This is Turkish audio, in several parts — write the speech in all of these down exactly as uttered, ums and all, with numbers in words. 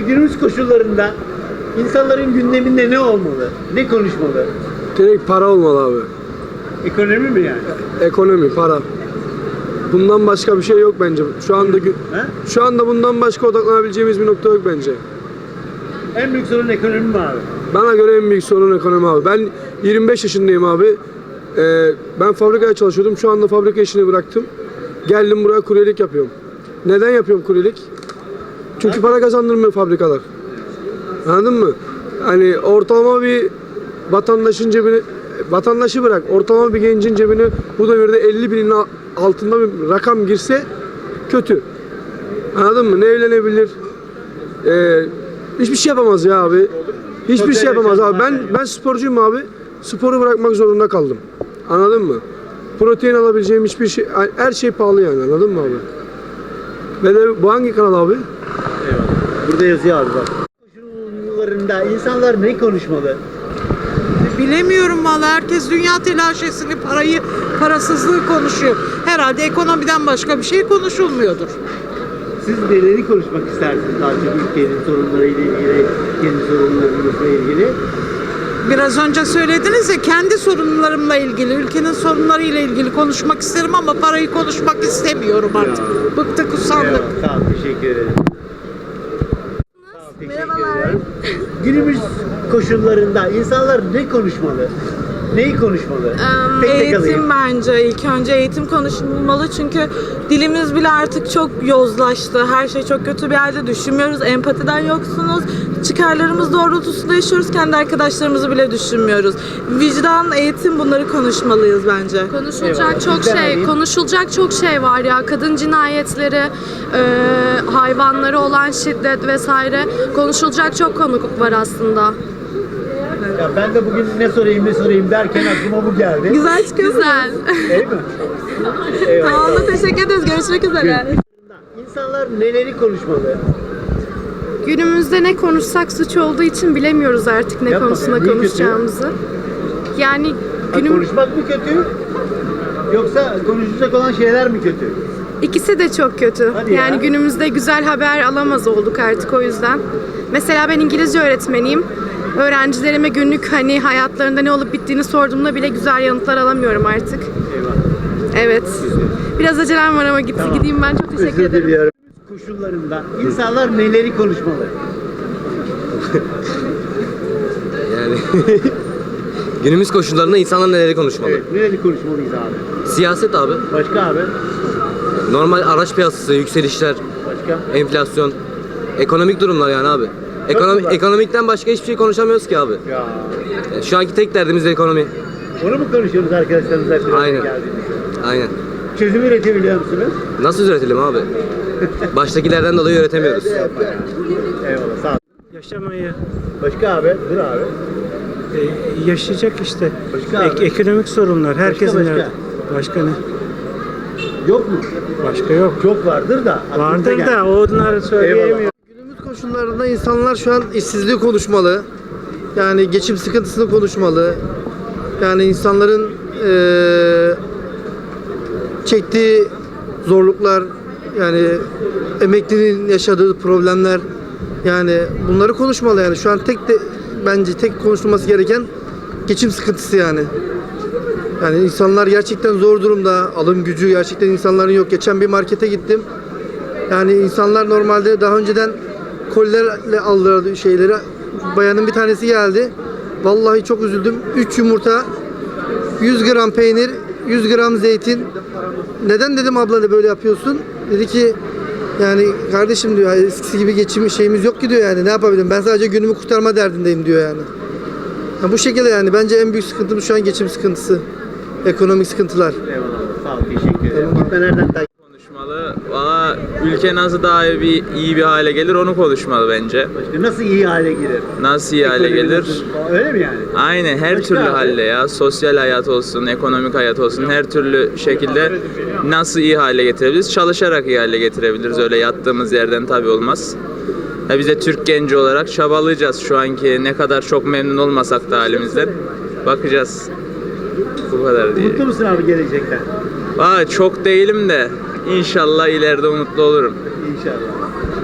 günümüz koşullarında insanların gündeminde ne olmalı? Ne konuşmalı? Direkt para olmalı abi. Ekonomi mi yani? Ekonomi, para. Bundan başka bir şey yok bence. Şu anda gü- He? şu anda bundan başka odaklanabileceğimiz bir nokta yok bence. En büyük sorun ekonomi mi abi? Bana göre en büyük sorun ekonomi abi. Ben yirmi beş yaşındayım abi. Ee, ben fabrikaya çalışıyordum. Şu anda fabrika işini bıraktım. Geldim buraya kuryelik yapıyorum. Neden yapıyorum kuryelik? Çünkü para kazandırmıyor fabrikalar. Anladın mı? Hani ortalama bir vatandaşın cebine, vatandaşı bırak, ortalama bir gencin cebine bu devirde elli binin altında bir rakam girse kötü. Anladın mı? Ne evlenebilir? Ee, hiçbir şey yapamaz ya abi. Hiçbir şey yapamaz abi. Ben ben sporcuyum abi. Sporu bırakmak zorunda kaldım. Anladın mı? Protein alabileceğim hiçbir şey, her şey pahalı yani. Anladın mı abi? Ve de bu hangi kanal abi? Eyvallah. Burada yazıyor abi bak. Koşullarında insanlar ne konuşmalı? Bilemiyorum vallahi, herkes dünya telaşesini, parayı, parasızlığı konuşuyor. Herhalde ekonomiden başka bir şey konuşulmuyordur. Siz neleri konuşmak istersiniz daha çok ülkenin sorunlarıyla ilgili, kendi sorunlarınızla ilgili? Biraz önce söylediniz ya, kendi sorunlarımla ilgili, ülkenin sorunlarıyla ilgili konuşmak isterim ama parayı konuşmak istemiyorum artık. Ya. Bıktık, usandık. Eyvallah, sağ ol, teşekkür ederim. Sağ ol, teşekkür Merhabalar. ederim. Günümüz koşullarında insanlar ne konuşmalı? Neyi konuşmalı? Em, Tek tek eğitim alayım. bence ilk önce eğitim konuşulmalı çünkü dilimiz bile artık çok yozlaştı. Her şey çok kötü bir yerde, düşünmüyoruz. Empatiden yoksunuz. Çıkarlarımız doğrultusunda yaşıyoruz. Kendi arkadaşlarımızı bile düşünmüyoruz. Vicdan, eğitim, bunları konuşmalıyız bence. Konuşulacak Eyvallah. çok Bizden şey, alayım. konuşulacak çok şey var ya. Kadın cinayetleri, e, hayvanlara olan şiddet vesaire. Konuşulacak çok konu var aslında. Ya ben de bugün ne sorayım ne sorayım derken aklıma bu geldi. Güzel çıkıyorsunuz. Güzel. Değil mi? Eyvallah. Tamam da teşekkür ederiz. Görüşmek üzere. İnsanlar neleri konuşmalı? Günümüzde ne konuşsak suç olduğu için bilemiyoruz artık ne Yapma konusunda be, niye kötü? konuşacağımızı. Yani Ha, günüm konuşmak mı kötü? Yoksa konuşacak olan şeyler mi kötü? ikisi de çok kötü. Hadi ya. Yani günümüzde güzel haber alamaz olduk artık o yüzden. Mesela ben İngilizce öğretmeniyim. Öğrencilerime günlük hani hayatlarında ne olup bittiğini sorduğumda bile güzel yanıtlar alamıyorum artık. Eyvallah. Evet. Biraz acelem var ama git, Tamam. gideyim ben. Çok teşekkür Özür ederim. diliyorum. Koşullarında insanlar neleri konuşmalı? Yani günümüz koşullarında insanlar neleri konuşmalı? Evet, neleri konuşmalıyız abi? Siyaset abi. Başka abi? Normal araç piyasası, yükselişler, Başka? enflasyon, ekonomik durumlar yani abi. Ekonomi, güzel. ekonomikten başka hiçbir şey konuşamıyoruz ki abi. Ya. Yani şu anki tek derdimiz ekonomi. Onu mu konuşuyoruz arkadaşlarımızla? bir araya Aynen. geldiğimizde? Aynen. Çözüm üretebiliyor musunuz? Nasıl üretelim abi? Baştakilerden dolayı üretemiyoruz. Eyvallah sağ ol. Yaşamayı Başka abi? Dur abi. e, yaşayacak işte. Başka Ek- abi? ekonomik sorunlar herkesin başka? hayatı. Başka ne? Yok mu? Başka yok. Çok vardır da. aklımıza Vardır geldi. da onları söyleyemiyor. Günümüz koşullarında insanlar şu an işsizliği konuşmalı. Yani geçim sıkıntısını konuşmalı. Yani insanların eee, çektiği zorluklar, yani emeklinin yaşadığı problemler, yani bunları konuşmalı yani. Şu an tek de bence tek konuşulması gereken geçim sıkıntısı yani. Yani insanlar gerçekten zor durumda. Alım gücü gerçekten insanların yok. Geçen bir markete gittim. Yani insanlar normalde daha önceden kolilerle aldılar şeyleri. Bayanın bir tanesi geldi. Vallahi çok üzüldüm. üç yumurta, yüz gram peynir, yüz gram zeytin. Neden dedim abla da böyle yapıyorsun? Dedi ki yani kardeşim diyor, eskisi gibi geçim şeyimiz yok ki diyor yani. Ne yapabilirim? Ben sadece günümü kurtarma derdindeyim diyor yani. Ya bu şekilde yani bence en büyük sıkıntımız şu an geçim sıkıntısı. Ekonomik sıkıntılar. Eyvallah. Sağ ol. Teşekkür ederim. Gitme nereden takip? Konuşmalı. Valla ülke nasıl daha iyi bir, iyi bir hale gelir onu konuşmalı bence. Başka nasıl iyi hale gelir? Nasıl iyi hale Ekonomi gelir? nasıl- Öyle mi yani? Aynen her Başka türlü abi? halde ya. Sosyal hayat olsun, ekonomik hayat olsun her türlü şekilde nasıl iyi hale getirebiliriz? Çalışarak iyi hale getirebiliriz. Öyle yattığımız yerden tabii olmaz. Ya biz de Türk genci olarak çabalayacağız şu anki ne kadar çok memnun olmasak da halimizden. Bakacağız. Bu kadar diye. Mutlu musun abi gelecekten? Valla çok değilim de inşallah ileride umutlu olurum. İnşallah.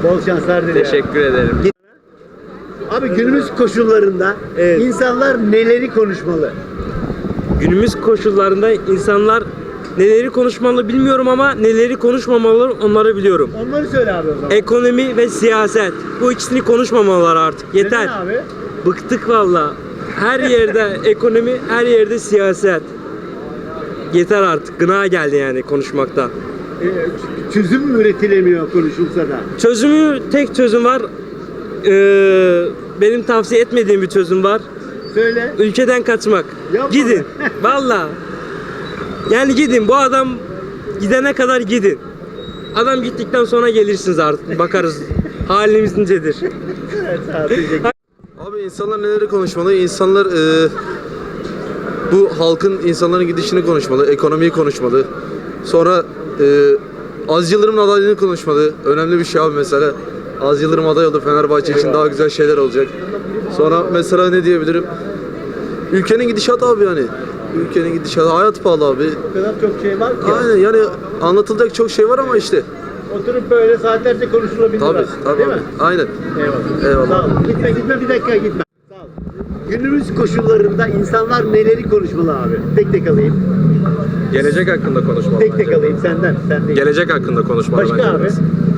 Bol şanslar dilerim. Teşekkür ederim. Abi günümüz koşullarında Evet. insanlar neleri konuşmalı? Günümüz koşullarında insanlar neleri konuşmalı bilmiyorum ama neleri konuşmamalı onları biliyorum. Onları söyle abi o zaman. Ekonomi ve siyaset. Bu ikisini konuşmamalılar artık. Yeter. Neden abi? Bıktık valla. Her yerde ekonomi, her yerde siyaset. Yeter artık. Gına geldi yani konuşmakta. Ee, çözüm mü üretilemiyor konuşulsa da? Çözümü, tek çözüm var. Ee, benim tavsiye etmediğim bir çözüm var. Söyle. Ülkeden kaçmak. Yapma Gidin. be. Valla. Yani gidin. Bu adam gidene kadar gidin. Adam gittikten sonra gelirsiniz artık. Bakarız. Halimiz nicedir. Evet, sağ ol, teşekkür ederim. Abi insanlar neleri konuşmalı? İnsanlar e, bu halkın insanların gidişini konuşmalı, ekonomiyi konuşmalı. Sonra e, Aziz Yıldırım'ın adaylığını konuşmalı. Önemli bir şey abi mesela. Aziz Yıldırım aday oldu, Fenerbahçe için daha güzel şeyler olacak. Sonra mesela ne diyebilirim? Ülkenin gidişatı abi yani. Ülkenin gidişatı, hayat pahalı abi. O kadar çok şey var ki. Aynen yani anlatılacak çok şey var ama işte. Oturup böyle saatlerce konuşulabilir Tabii, aslında, tabii değil abi. mi? Aynen. Eyvallah. Eyvallah. Sağ ol. Gitme gitme bir dakika gitme. Sağ ol. Günümüz koşullarında insanlar neleri konuşmalı abi? Tek tek alayım. Gelecek hakkında konuşmalı Tek tek bence. alayım senden. Sen değil. Gelecek hakkında konuşmalı Başka bence. abi? biraz.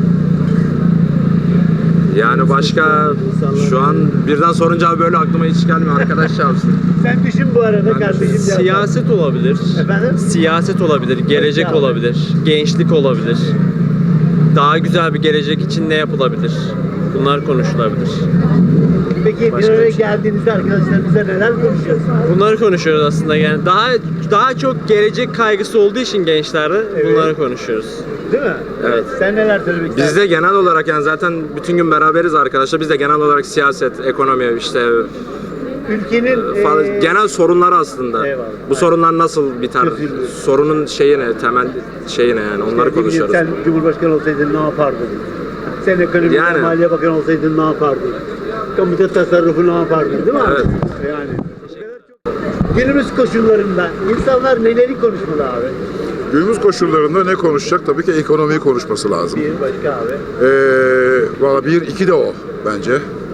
Yani başka şu an birden sorunca abi böyle aklıma hiç gelmiyor. Arkadaş çarpsın. Sen düşün bu arada kardeşim. cevap ver. Siyaset olabilir. Efendim? Siyaset olabilir, gelecek Peki abi. olabilir, gençlik olabilir. Daha güzel bir gelecek için ne yapılabilir? Bunlar konuşulabilir. Peki bir Başka araya bir şey. geldiğinizde arkadaşlarınızla neler konuşuyorsunuz? Bunları konuşuyoruz aslında yani. Daha daha çok gelecek kaygısı olduğu için gençlerde Evet. bunları konuşuyoruz. Değil mi? Evet. Sen neler söylemek istersin? Biz de genel olarak yani zaten bütün gün beraberiz arkadaşlar. Biz de genel olarak siyaset, ekonomi işte ülkenin falan, eee, genel sorunları aslında. Eyvallah. Bu sorunlar nasıl biter? Çözülür. Sorunun şeyi ne? Temel şeyi ne yani? Onları ne bileyim, konuşuyoruz. Sen Cumhurbaşkanı olsaydın ne yapardın? Sen ekonomi Yani. Maliye Bakanı olsaydın ne yapardın? Kamuda tasarrufu ne yapardın değil mi abi? Evet. Yani. Günümüz koşullarında insanlar neleri konuşmalı abi? Günümüz koşullarında ne konuşacak? Tabii ki ekonomiyi konuşması lazım. Bir başka abi. Ee, Valla bir, iki de o bence.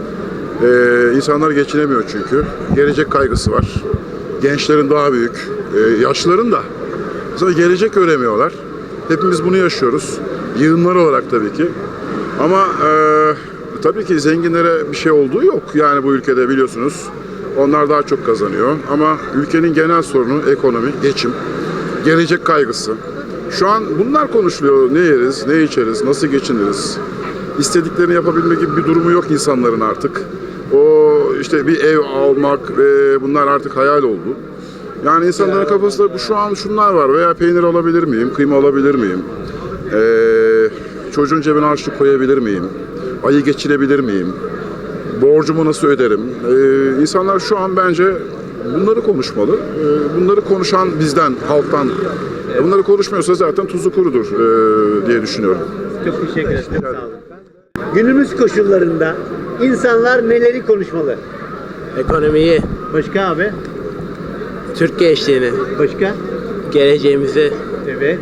Ee, insanlar geçinemiyor çünkü. Gelecek kaygısı var. Gençlerin daha büyük, e, yaşlıların da. Sonra gelecek göremiyorlar. Hepimiz bunu yaşıyoruz. Yığınlar olarak tabii ki. Ama e, tabii ki zenginlere bir şey olduğu yok. Yani bu ülkede biliyorsunuz. Onlar daha çok kazanıyor. Ama ülkenin genel sorunu ekonomi, geçim, gelecek kaygısı. Şu an bunlar konuşuluyor. Ne yeriz, ne içeriz, nasıl geçiniriz? İstediklerini yapabilme gibi bir durumu yok insanların artık. O işte bir ev almak ve bunlar artık hayal oldu. Yani insanların kafasında bu şu an şunlar var veya peynir alabilir miyim, kıyma alabilir miyim? Ee, çocuğun cebine harçlık koyabilir miyim? Ayı geçirebilir miyim? Borcumu nasıl öderim? Ee, insanlar şu an bence bunları konuşmalı. Ee, bunları konuşan bizden, halktan. E, bunları konuşmuyorsa zaten tuzu kurudur e, diye düşünüyorum. Çok teşekkür ederim. Sağ olun. Günümüz koşullarında insanlar neleri konuşmalı? Ekonomiyi, Başka abi? Türk gençliğini, Başka? geleceğimizi Evet.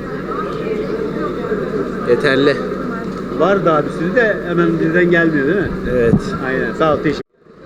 yeterli. Var daha bir sürü de hemen birden gelmiyor değil mi? Evet. Aynen. Sağ ol. Teşekkür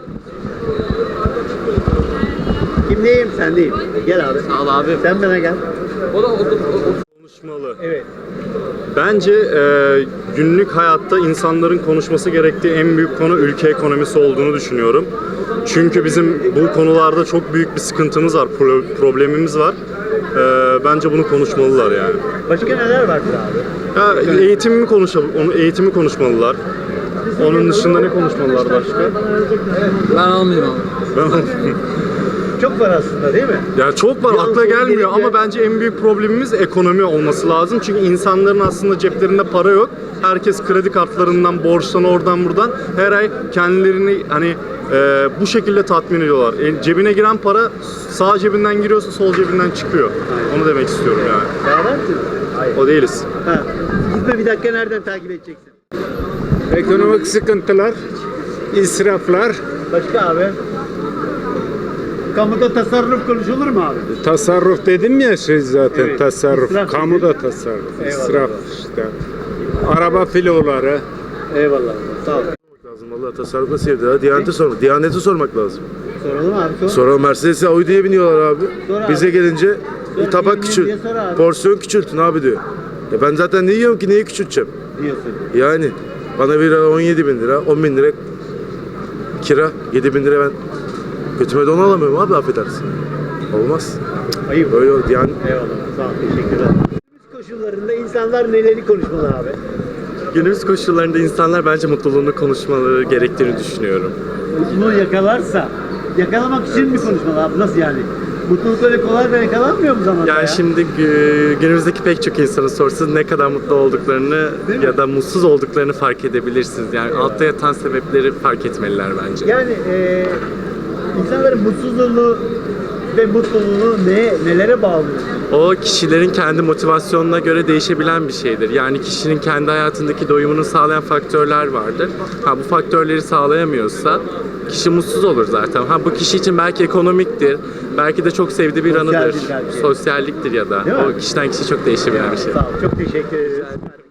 Kimdeyim? Sendeyim. Gel abi. Sağ ol abi. Sen bana gel. Konuşmalı. Evet. Bence e, günlük hayatta insanların konuşması gerektiği en büyük konu ülke ekonomisi olduğunu düşünüyorum. Çünkü bizim bu konularda çok büyük bir sıkıntımız var, pro- problemimiz var. E, bence bunu konuşmalılar yani. Başka neler vardır abi? Ya eğitimi mi konuşalım, onu eğitimi konuşmalılar. Onun dışında ne konuşmalılar başka? Ben almayayım abi. Ben Çok var aslında değil mi? Ya çok var, Bir an akla sonra gelmiyor gelince- ama bence en büyük problemimiz ekonomi olması lazım. Çünkü insanların aslında ceplerinde para yok. Herkes kredi kartlarından, borçtan, oradan buradan her ay kendilerini hani e, bu şekilde tatmin ediyorlar. E, cebine giren para sağ cebinden giriyorsa sol cebinden çıkıyor. Onu demek istiyorum yani. Beraber misiniz? Hayır. O değiliz. Ha. Gitme bir dakika nereden takip edeceksin? Ekonomik sıkıntılar, israflar, Başka abi? Kamuda tasarruf konuşulur mu abi? tasarruf dedim ya şey zaten Evet, tasarruf, israf kamuda dedi. tasarruf, Eyvallah. israf işte. Araba filoları, Eyvallah. Sağ ol. Lazım vallahi tasarruf nasıl evde ya? Diyanete sormak. Diyanete sormak lazım. Soralım abi sor. Sonra Mercedes'e Audi'ye biniyorlar abi. Sor abi. Bize gelince Sor, tabak bilmiyorum küçült. diye sor abi. Porsiyon küçültün abi diyor. Ya ben zaten ne yiyorum ki neyi küçülteceğim? Diyorsun. Yani bana bir lira on yedi bin lira, on bin lira kira, yedi bin lira ben götüme don alamıyorum abi affedersin. Olmaz. Ayıp. Öyle oldu yani. Eyvallah. Sağ ol. Teşekkürler. Günümüz koşullarında insanlar neleri konuşmalı abi? Günümüz koşullarında insanlar bence mutluluğunu konuşmaları gerektiğini düşünüyorum. Mutluluğu yakalarsa yakalamak için mi konuşmalı abi? Nasıl yani? Mutluluk öyle kolay da yakalanmıyor mu zamanla Yani ya? şimdi gü- günümüzdeki pek çok insanın sorsanız ne kadar mutlu olduklarını Değil mi? ya da mutsuz olduklarını fark edebilirsiniz. Yani altta yatan sebepleri fark etmeliler bence. Yani eee insanların mutsuzluğunu ve mutluluğunu ne, nelere bağlıyor? O kişilerin kendi motivasyonuna göre değişebilen bir şeydir. Yani kişinin kendi hayatındaki doyumunu sağlayan faktörler vardır. Ha bu faktörleri sağlayamıyorsa kişi mutsuz olur zaten. Ha bu kişi için belki ekonomiktir, belki de çok sevdiği bir Sosyaldir anıdır, belki. sosyalliktir ya da Değil mi? o kişiden kişiye çok değişebilen bir şey. Sağ ol. Çok teşekkür ederim.